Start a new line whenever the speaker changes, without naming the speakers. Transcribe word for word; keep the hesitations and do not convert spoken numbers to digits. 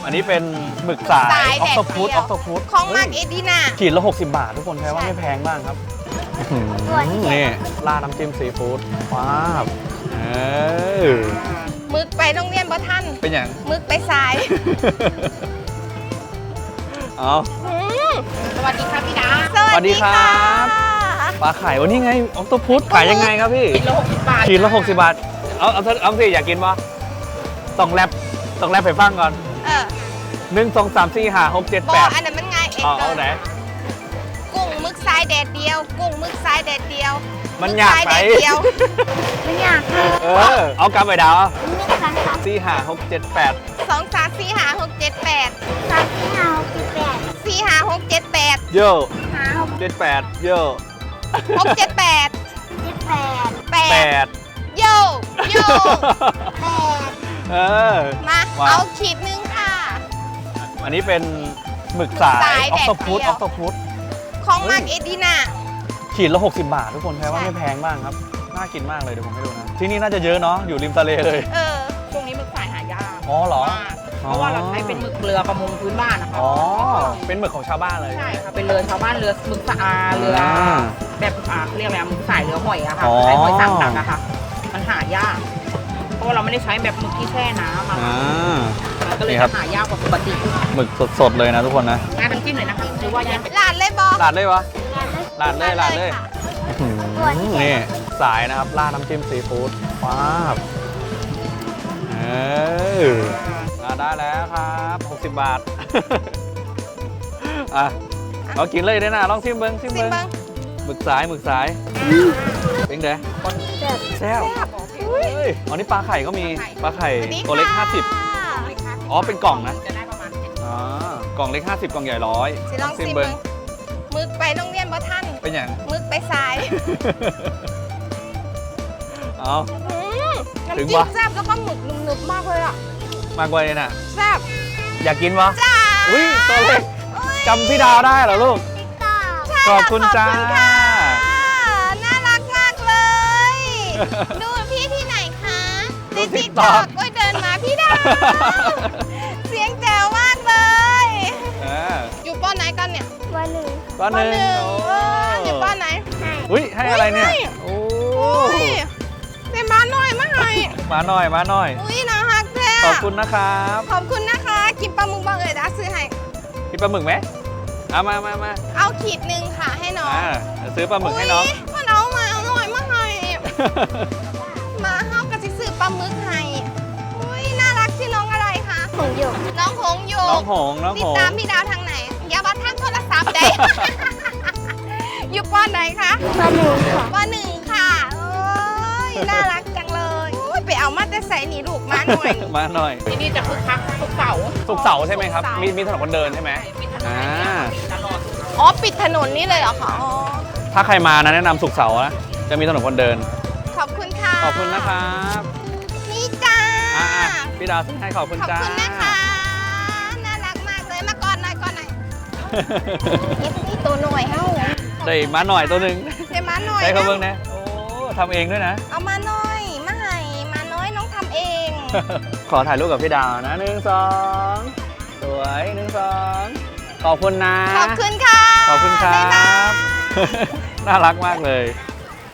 อันนี้เป็นหมึกสายออฟโตพุตออฟโตพุต
ของมากเอดีน่า
ขีดละหกสิบบาททุกคนแปลว่าไม่แพงมากครับนี่ราดน้ำจิ้มซีฟู้ดว้าวเออ
มึกไปโรงเรียนบ่ท่าน
เป็นอย่าง
มึกไปสาย
เอา
สวัสดีครับพี่ดา
สวัสดีครับปลาไข่วันนี้ไงออฟโตพุตขายยังไงครับพี่
ขีดละหกสิบบาท
ขีดละหกสิบบาทเอาเอาเอาสิอยากกินปะต้องแรปต้องแรปไปฟังก่อน
เออ
หนึ่งสองสามสี่ห้าหกเจ็ดแปด
อันนั้นมันง่ายเอง
เอาเอาไหน
กุ้งมึกทรายแดดเดียวกุ้งมึกทรายแดดเดียว
มันอยากไป
มันอยาก
เออเอากลับไปดาวสี่ห้าหกเจ็ดแปด
สองสามสี่ห้าหกเจ็ดแปดสามสี่ห้าหกเจ็ดแปดสี่ห้าหกเจ็ดแปด
โย่เจ็ดแปดโย่
หกเจ็ดแปดเจ็ดแปดแปดโย่โย่แปด
เออ
มาเอาขีดนึงค่ะ
อันนี้เป็นหมึกสายออฟโตพุตออฟโตพุต
ของมากเอดีน่า
ขีดละหกสิบบาททุกคนแปลว่าไม่แพงมากครับน่ากินมากเลยเดี๋ยวผมให้ดูนะที่นี่น่าจะเยอะเนาะอยู่ริมทะเลเลย
เออ
ช่วงนี้หมึกสายหายาก
อ๋อเหรอ
เพราะว่าเราใช้เป็นหมึกเรือประมงพื้นบ้านนะคะ
อ๋อเป็นหมึกของชาวบ้านเลย
ใช่ค่ะเป็นเรือชาวบ้านเรือหมึกสะอาเรือแบบอ่าเขาเรียกอะไรหมึกสายเรือหอยอะค่ะใช้หอยต่างๆอะค่ะมันหายากเพราะว่าเราไม่ได้ใช้แบบหมึกที่แช่น้ำอะก็เลยหายากกว่าปกติ
หมึกสดๆเลยนะทุกคนนะ
งานน้ำจิ้มเลยนะคะหรือว่ายัง
ลาดเลยบอ
ลาดเลยวะลาดเลยลาดเลยนี่สายนะครับราดน้ำจิ้มซีฟู้ดว้าวเออได้แล้วครับหกสิบบาทอ่ะเรากินเลยได้นะลองซิมเบิ้งซิมเบิ้งหมึกสายหมึกสายเป็นไงแซ่บอ๋อนี่ปลาไข่ก็มีปลาไข่ตัวเล็กห้าสิบอ๋อเป็นกล่องนะ
จะได้ประมาณ
อ๋อกล่องเล็กห้าสิบกล่องใหญ่ร้อย
ลองซิมเบิ้งมึกไปโรงเรียนบ่ท่าน
เป็นอย่าง
มึกไปสาย
เอา
น้ำจิ้มแซ่บแล้วก็หมึกหนึบๆมากเลยอ่ะ
มากกว่าเลยน่ะ
แซ่บ
อยากกินวะอุ้ยตัวเล็กจำพี่ดาวได้เหรอลูกขอบคุณจ้า
น่ารักมากเลยดูพี่ที่ไหนคะในติ๊กต็อกก็เดินมาพี่ดาวเสียงแจ๋วมากเลยอยู่ป้อนไหนกันเนี่ย
ป้อนหนึ่ง
ป้อนหนึ่ง
อยู่ป้อนไหน
อุ้ยให้อะไรเนี่ยโอ้
ยเป็นม้าน้อยมาให้
ม้าน้อยม้าน้อย
อุ้ยน่ารักแท้
ขอบคุณนะครับ
ขอบคุณนะคะกินปลาหมึกบ้างเลยนะซื้อให้
กินปลาหมึกไหมเอามามามา
เอาขีดหนึ่งค่ะให้น้อง
ซื้อปลาหมึกให้น้อง
พ่อน้องมาเอาหน่อยมาให้มาเฮากระซิซื้อปลาหมึกให้อุ้ยน่ารักชื่อน้องอะไรคะ
หงหยก
น้องหงหยก
น้องหงน้องหง
ติดตามพี่ดาวทางไหนอย่าบัดทางโทรศัพท์ใดอยู่ป้อนไหนคะ
ป้อนหนึ่งค่ะ
ป้อนหนึ่งค่ะโอ้ยน่ารักจังเลยไปเอามาแต่ใส่หนีลูกมาหน่อย
มาหน่อย
ที่นี่จะคึกคักทุกเสาร์
ทุกเสาร์ใช่ไหมครับมีมีถนนคนเดินใช่ไหม
อ่าตลอด
อ๋อปิดถนนนี่เลยเหรอคะ
ถ้าใครมานะแนะนำสุกเสาร์นะจะมีถนนคนเดิน
ขอบคุณค่ะ
ขอบคุณนะครับ
นี่จ้า
พี่ดาวให้ขอบคุณจ้า
ขอบคุณนะคะน่ารักมากเลยมาก่อนหน่อยก่อนหน่อยนี่ตัวหน่อยเฮ้า
ได้มาหน่อยตัวหนึ่ง
ได้มาหน่อย
ได้เขาเบิ้งนะโอ้ทำเองด้วยนะ
เอามาหน่อยมาให้มาน้อยน้องทำเอง
ขอถ่ายรูปกับพี่ดาวนะหนึ่งสองสวยหนึ่งสองขอบคุณนะ
ขอบคุณค่ะ
ขอบคุณครับน่ารักมากเลย